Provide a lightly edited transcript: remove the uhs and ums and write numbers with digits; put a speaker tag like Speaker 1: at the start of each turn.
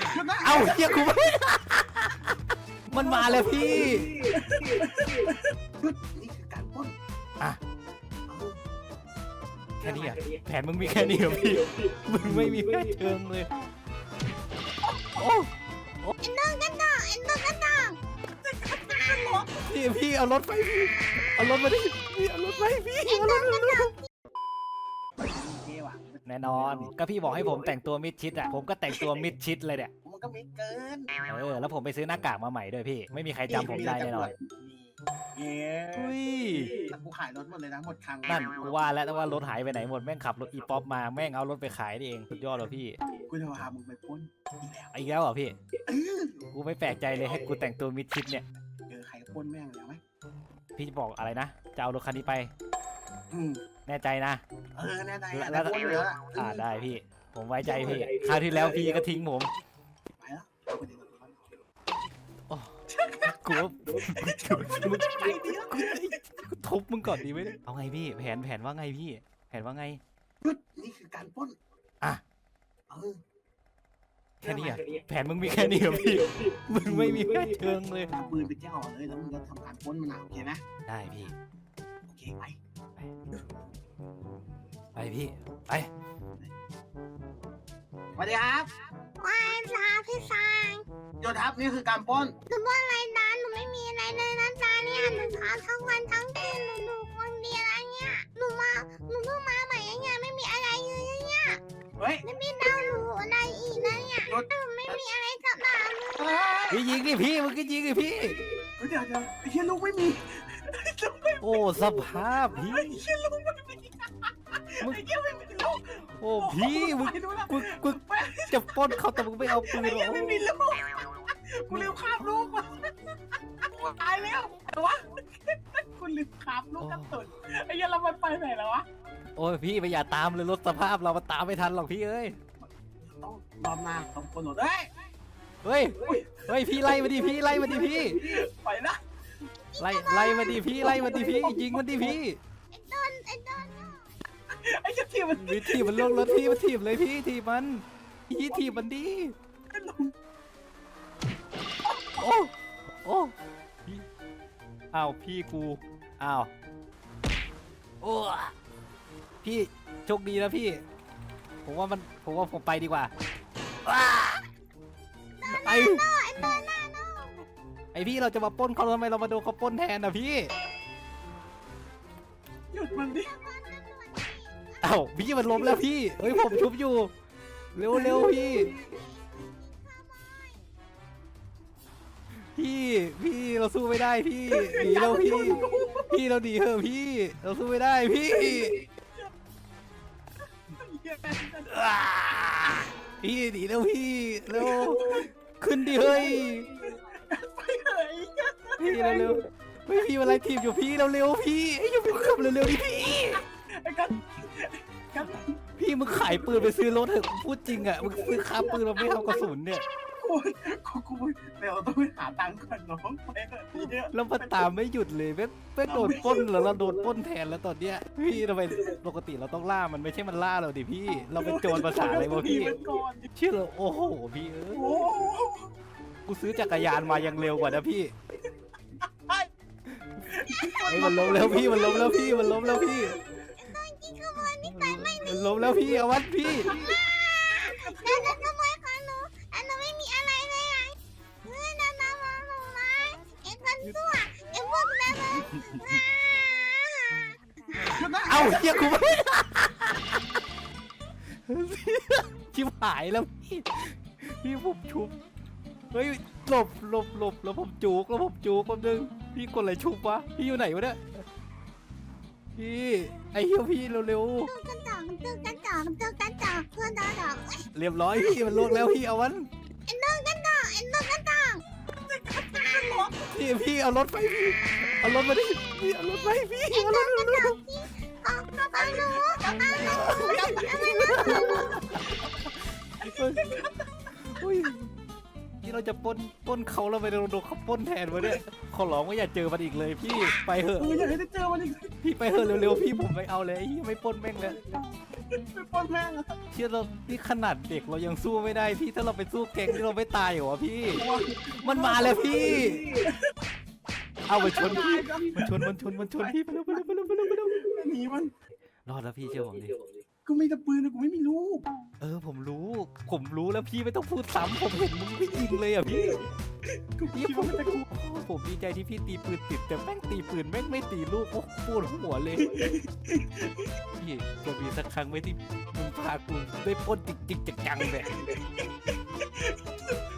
Speaker 1: เอาเฮียกูไม่มันมาแล้วพี่
Speaker 2: นี่คือการปล้น
Speaker 1: อ่ะแค่นี้อ่ะแผนมึงมีแค่นี้เหรอพี่มึงไม่มีแค่เชิงเลยโอ้
Speaker 3: ไอ้น้องกันต่อไอ้น้องกันต่อ
Speaker 1: พี่เอารถไปพี่เอารถมาดิพี่เอารถไปพี่เอารถแน่นอนก็พี่บอกให้ผมแต่งตัวมิดชิดอ่ะผมก็แต่งตัวมิดชิดเลยเนี่ย
Speaker 2: มันก็ไม่เกิน
Speaker 1: แล้วผมไปซื้อหน้ากากมาใหม่ด้วยพี่ไม่มีใครจำผมได้แน่นอนอุ้ย
Speaker 2: กูขายรถหมดเลยนะหมดครั้ง
Speaker 1: นั่นกูว่าแล้วแต่ว่ารถหายไปไหนหมดแม่งขับรถอีป๊อปมาแม่งเอารถไปขายนี่เองสุดยอดเลยพี่
Speaker 2: กูจะพามึงไปปล้น
Speaker 1: อีกแล้วเหรอพี่กูไม่แปลกใจเลยให้กูแต่งตัวมิดชิดเนี่ย
Speaker 2: ใครปล้นแม่งเลยไหม
Speaker 1: พี่จะบอกอะไรนะจะเอารถคันนี้ไปแน่ใจนะ
Speaker 2: แน่ใจ
Speaker 1: แล้วได้พี่ผมไว้ใจพี่คราวที่แล้วพี่ก็ทิ้งผม
Speaker 2: ไปแล้ว
Speaker 1: กูทุบมึงก่อนดีไหมเอาไงพี่แผนว่าไงพี่แผนว่าไง
Speaker 2: นี่คือการปล้น
Speaker 1: อ่ะแค่นี้อ่ะแผนมึงมีแค่นี้เหรอพี่มึงไม่มีแค่เชิงเลย
Speaker 2: ปืนไปเจ้าเลยแล้วมึงก็ทำการปล้นมันโอเคไหม
Speaker 1: ได้พี่
Speaker 2: โอเคไป
Speaker 1: พี่ไป
Speaker 2: สวัสดีครับ
Speaker 3: ว้ายจ้าพี่ชาย
Speaker 2: โยทับนี่คือการปล้น
Speaker 3: หนูปล้นอะไรนะหนูไม่มีอะไรเลยนะจ้าเนี่ยหนูทำทั้งวันทั้งคืนหนูคนเดียวอะไรเนี่ยหนูเพิ่งมาใหม่เนี่ยไม่มีอะไรเลยเนี่ยไม่มีดาวหนูอะไรอีกนะเนี่ยหนูไม่มีอะไรสักอย่างเลย
Speaker 1: ยิงดิพี่มึงก็ยิงดิพี่
Speaker 2: เดี๋ยวไอ้เชี่ยลูกไม่มี
Speaker 1: โอ้สภาพพี่
Speaker 2: ไอ้เชี่ยลูกไม่มีไอ้เชี่ยไม่มีลูก
Speaker 1: โอ้พี่มึงจะปล้นเขาแต่มึงไม่เอาปืนหรอ
Speaker 2: ไม่มีลูกกูลืมคาบลูกตายแล้วแต่ว่ากูลืมคาบลูกกระตุนไอ้เชี่ยเราไปไหนแล้ววะ
Speaker 1: โอ้ยพี่ไม่อย่าตามเลยรถสภาพเรามาตามไม่ทันหรอกพี่เอ้ย
Speaker 2: ต้องรอบหน้าต้องคนหมด
Speaker 1: เฮ้ยพี่ไล่มาดิพี่ไล่มาดิพี่
Speaker 2: ไปนะ
Speaker 1: ไล่มาดิพี่ไล่มาดิพี่ยิงมันดิพี่
Speaker 3: ไอ้ดอน
Speaker 2: ไอ้ทีมัน
Speaker 1: ทีมันลงรถพี่มันทีบเลยพี่ทีมันทีมันดิโอ้อ้าวพี่กูอ้าวโอ้พี่โชคดีนะพี่ผมว่าผมไปดีกว่าไอพี่เราจะมาปล้นเขาทำไมเรามาโดนเขาปล้นแทนอ่ะพี่
Speaker 2: หยุดมันดิ
Speaker 1: เอ้าพี่มันล้มแล้วพี่เฮ้ยผมชุบอยู่เร็วพี่เราสู้ไม่ได้พี่หนีเราพี่เราหนีเถอะพี่เราสู้ไม่ได้พี่หนีแล้วพี่เร็วขึ้นดิเฮ้ยพี่เร็วพี่อะไรทีมอยู่พี่เร็วพี่อย่าไปขับเร็วดิพี่มึงขายปืนไปซื้อรถเถอะพูดจริงอ่ะมึงซื้อค้าปืนเราไม่เอากระสุนเนี่ย
Speaker 2: กูเดี๋ยวต้องไปหาตังค์ก่อนน้องไปเถอะ
Speaker 1: แล้วมันตามไม่หยุดเลยแม่งโดนปล้นแล้วเราโดนปล้นแทนแล้วตอนเนี้ยพี่ทำไมปกติเราต้องล่ามันไม่ใช่มันล่าเราดิพี่เราเป็นโจรภาษาอะไรวะพี่เชื่อเลยโอ้โหพี่กูซื้อจักรยานมายังเร็วกว่านะพี่มันล้มแล้วพี่มันล้มแล้วพี่มันล้มแล้วพี่เอาวัดพี่
Speaker 3: แล้วทำไมของหนูไม่มีอะไรเลยเฮ้ยหนูมาไอ้คนชั่วไอ้พวกนั้น
Speaker 1: เอาเฮียกูไม่ชิบหายแล้วพี่ผมชุบเฮ้ยหลบแล้วผมจูกแป๊บนึงพี่กดอะไรชุบวะพี่อยู่ไหนวะเนี่ยพี่ไอ้เหี้ยพี่เร็ว
Speaker 3: ๆกันจ่อเพื่อนดอก
Speaker 1: เรียบร้อยพี่มันลวกแล้วพี่เอาวัน
Speaker 3: ไอ้น้องกันจ่อ
Speaker 1: พี่เอารถไปพี่เอารถมาดิพี่เอารถไปพี่เอารถ
Speaker 3: พี่เอาหนู
Speaker 1: ที่เราจะปล้นเขาแล้วไปโดนเขาปล้นแทนวะเนี่ยขอร้องว่าอย่าเจอมันอีกเลยพี่ไปเถอะ
Speaker 2: อย่าให้ได้เจอมันอีก
Speaker 1: พี่ไปเถอะเร็วๆพี่ผมไม่เอาเลยไม่ปล้นแม่งเลย
Speaker 2: ไปปล้นแม่งอะ
Speaker 1: เชื่อเรานี่ขนาดเด็กเรายังสู้ไม่ได้พี่ถ้าเราไปสู้แก๊งที่เราไม่ตายเหรอวะพี่ มันมาแล้วพี่ เอาไปชนพี่มันชนพี่ไปเร็ว
Speaker 2: หนีมัน
Speaker 1: รอดแล้วพี่เชื่อผมดิ
Speaker 2: กูไม่ตะปืนเลยกูไม่มีลูก
Speaker 1: ผมรู้แล้วพี่ไม่ต้องพูดซ้ำผมเห็นมึงไม่ยิงเลยอ่ะพี่
Speaker 2: กูคิดว่ามันจะกู
Speaker 1: ผมดีใจที่พี่ตีปืนติดแต่แม่งตีปืนแม่งไม่ตีลูกโอ้ปวดหัวเลย พี่จะมีสักครั้งไหมที่มึงพากูได้ปล้นจริงๆจังๆแบบ